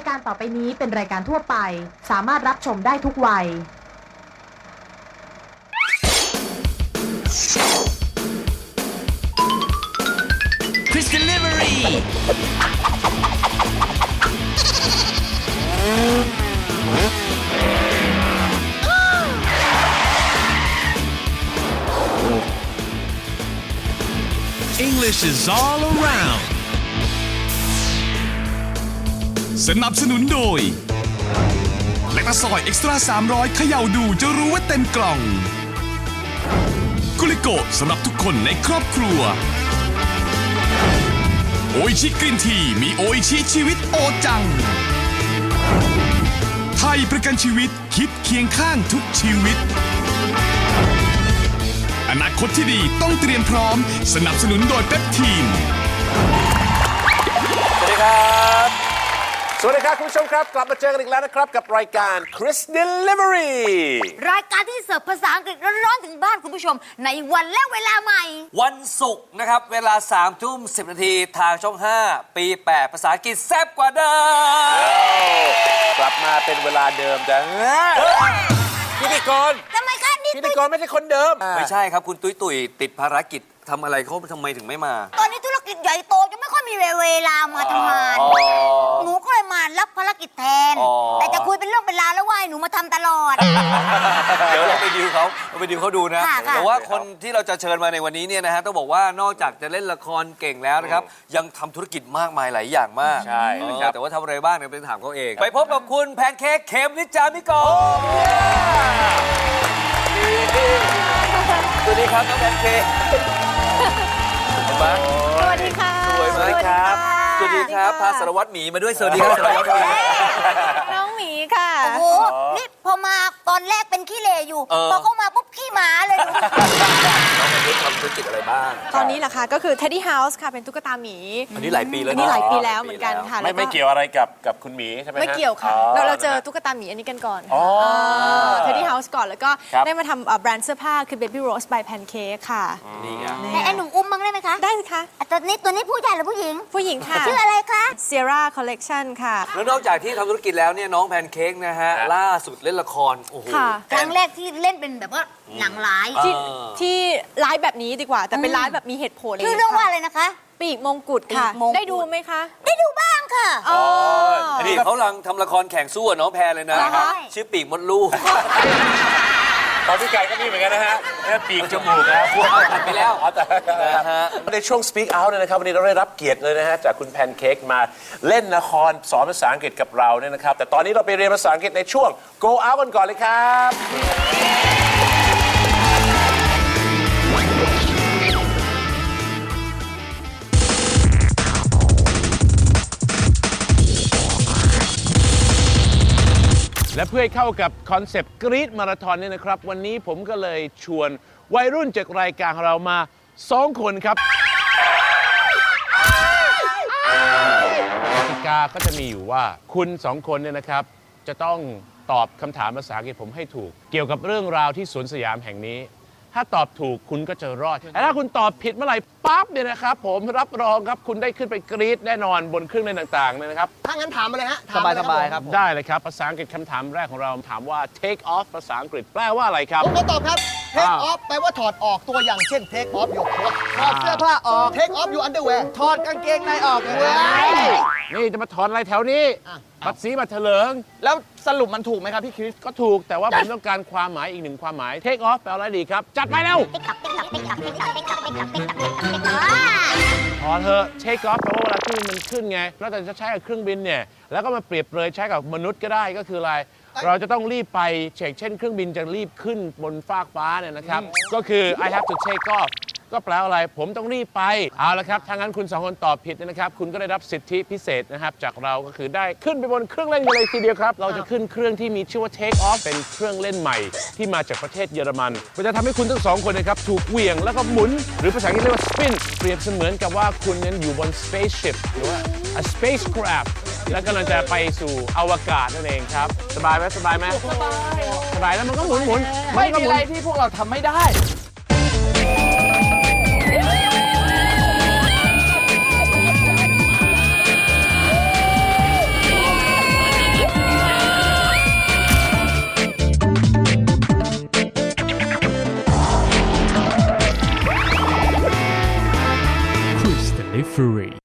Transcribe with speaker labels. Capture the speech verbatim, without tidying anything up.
Speaker 1: ายการต่อไปนี้เป็นรายการทั่วไปสามารถรับชมได้ทุกวัย
Speaker 2: Chris Delivery English is all around สนับสนุนโดยแลคตาซอยเอ็กซ์ตร้าสามร้อยเขย่าดูจะรู้ว่าเต็มกล่องกุลิโกะสำหรับทุกคนในครอบครัวโออิชิกรีนทีมีโออิชิชีวิตโอจังไทยประกันชีวิตคิดเคียงข้างทุกชีวิตอนาคตที่ดีต้องเตรียมพร้อมสนับสนุนโดยเปปทีน
Speaker 3: สวัสดีครับสวัสดีครับคุณผู้ชมครับกลับมาเจอกันอีกแล้วนะครับกับรายการ Chris Delivery
Speaker 4: รายการที่เสิร์ฟภาษาอังกฤษร้อนๆถึงบ้านคุณผู้ชมในวันและเวลาใหม่
Speaker 5: วันศุกร์นะครับเวลาสามทุ่มสิบนาทีทางช่องห้าปีแปดภาษาอังกฤษแซ่บกว่าเดิม
Speaker 3: กลับมาเป็นเวลาเดิมแต่พิธีกร
Speaker 4: ทำไมคะนี่
Speaker 3: พิธีกรไม่ใช่คนเดิม
Speaker 5: ไม่ใช่ครับคุณตุ้ยตุ้ยติดภารกิจทำอะไรเขาทำไมถึงไม่มา
Speaker 4: ตอนนี้ธุรกิจใหญ่โตจะไม่ค่อยมีเวลามาทำงานหนูก็เลยมารับภารกิจแทนแต่จะคุยเป็นเรื่องเป็นราวแล้วว่าหนูมาทำตลอด
Speaker 5: เดี๋ยวเราไปดิวเขาเราไปดิวเขาดูนะแต่ว่าคนที่เราจะเชิญมาในวันนี้เนี่ยนะฮะต้องบอกว่านอกจากจะเล่นละครเก่งแล้วนะครับยังทำธุรกิจมากมายหลายอย่างมาก
Speaker 3: ใช่
Speaker 5: แต่ว่าทำอะไรบ้างเนี่ยเป็นถามเขาเองไปพบกับคุณแพนเค้กเขมนิจามิโกสวัสดีครับน้องแพนเค้ก
Speaker 4: สวัสดีค่ะ
Speaker 5: สวยมากครับสวัสดีครับพาสารวัตรหมีมาด้วยสวัสดีครับสารวัตรหมี
Speaker 4: น้องหมีค่ะโอ้โหนี่พอมาตอนแรกเป็นขี้เหร่อยู่พอเข้ามาปุ๊บขี้หมาเลยน้
Speaker 5: องแพนเค้กทำธุรกิจอะไรบ้าง
Speaker 6: ตอนนี้เหรอคะก็คือ Teddy House ค่ะเป็นตุ๊กตาหมี
Speaker 5: อันนี้หลายปีแล้ว
Speaker 6: อันนี้หลายปีแล้วเหมือนกันค่ะ
Speaker 3: ไม่ไม่เกี่ยวอะไรกับกับคุณหมีใช่ไหม
Speaker 6: ไม่เกี่ยวค่ะเราเราเจอตุ๊กตาหมีอันนี้กันก่อน Teddy House ก่อนแล้วก็ได้มาทำแบรนด์เสื้อผ้าคือ Baby Rose by Pancake ค่ะ
Speaker 5: นี่ไง
Speaker 4: ไอ้หนุ่มอุ้มมั้งได้ไหมคะ
Speaker 6: ได้สิคะ
Speaker 4: ตัวนี้ตัวนี้ผู้ชายหรือผู้หญิง
Speaker 6: ผู้หญิงค่ะ
Speaker 4: ชื่ออะไรคะ
Speaker 6: Sierra Collection ค่ะ
Speaker 5: แล้วนอกจากที่ทำธุรกิจแล้วเนี่ยน้องแพนเค้กนะฮะล่าสุดเล่นละครโอ้โห
Speaker 4: ครั้งแรกที่เล่นเป็นแบบว่าหนังร้าย
Speaker 6: ที่ที่ร้ายแบบนี้ดีกว่าแต่เป็นร้ายแบบมีเหตุผล
Speaker 4: ชื่อเรื่องว่าอะไรนะคะ
Speaker 6: ปีกมงกุฎค่ะได้ดูไหมคะ
Speaker 4: ได้ดูบ้างค่ะ
Speaker 5: อ๋อนี่เขากำลังทำละครแข่งสู้กับน้องแพรเลยนะชื่อปีกมดลูก
Speaker 3: ตอนพี่ไก่ก็มีเหมือนกันนะฮะปีกจมูกนะพวก
Speaker 5: ตัดไปแล้ว
Speaker 3: นะฮะในช่วง Speak Out เนี่ยนะครับวันนี้เราได้รับเกียรติเลยนะฮะจากคุณแพนเค้กมาเล่นละครสอนภาษาอังกฤษกับเราเนี่ยนะครับแต่ตอนนี้เราไปเรียนภาษาอังกฤษในช่วง Go Out กันก่อนเลยครับและเพื่อให้เข้ากับคอนเซปต์กรี๊ดมาราธอนเนี่ยนะครับวันนี้ผมก็เลยชวนวัยรุ่นจากรายการของเรามาสองคนครับกติกาก็จะมีอยู่ว่าคุณสองคนเนี่ยนะครับจะต้องตอบคำถามภาษาอังกฤษผมให้ถูกเกี่ยวกับเรื่องราวที่สวนสยามแห่งนี้ถ้าตอบถูกคุณก็จะรอดแต่ถ้าคุณตอบผิดเมื่อไหร่ปั๊บเนี่ยนะครับผมรับรองครับคุณได้ขึ้นไปกรี๊ดแน่นอนบนเครื่องเล่นต่างๆเลยนะครับ
Speaker 7: ถ้างั้นถามมาเลยฮะ
Speaker 5: สบายสบายครับได้เลยครับภาษาอังกฤษคำถามแรกของเราถามว่า take off ภาษาอังกฤษแปลว่าอะไรครับ
Speaker 7: ผมก็ตอบครับ take off แปลว่าถอดออกตัวอย่างเช่น take off your coat ถอดเสื้อผ้าออก take off your underwear ถอดกางเกงในออกเว้ย
Speaker 3: นี่จะมาถอดอะไรแถวนี้บัตรสีบัตรเถลิง
Speaker 7: แล้วสรุปมันถูกไหมครับพี่คริส
Speaker 3: ก็ถูกแต่ว่าผมต้องการความหมายอีกหนึ่งความหมาย take off แปลว่าอะไรดีครับจัดไปเร็วถอดเถอะ take off แปลว่าเวลาที่มันขึ้นไงนอกจากจะใช้กับเครื่องบินเนี่ยแล้วก็มาเปรียบเลยใช้กับมนุษย์ก็ได้ก็คืออะไรเราจะต้องรีบไปเช็คเช่นเครื่องบินจะรีบขึ้นบนฟากฟ้าเนี่ยนะครับก็คือ I have to take off ก็แปลว่าอะไรผมต้องรีบไปเอาละครับถ้างั้นคุณสองคนตอบผิดนะครับคุณก็ได้รับสิทธิพิเศษนะครับจากเราก็คือได้ขึ้นไปบนเครื่องเล่นกันเลยทีเดียวครับเราจะขึ้นเครื่องที่มีชื่อว่า take off เป็นเครื่องเล่นใหม่ที่มาจากประเทศเยอรมันมันจะทำให้คุณทั้งสองคนนะครับถูกเหวี่ยงแล้วก็หมุนหรือภาษาอังกฤษเรียกว่า spin เปรียบเสมือนกับว่าคุณนั้นอยู่บน spaceship หรือว่า a spacecraft แล้วกำลังจะไปสู่อวกาศนั่นเองครับสบายไหมสบายไหมสบายสบายแล้วมันก็หมุนหมุน
Speaker 7: ไม่มีอะไรที่พวกเราทำไม่ได้
Speaker 8: Delivery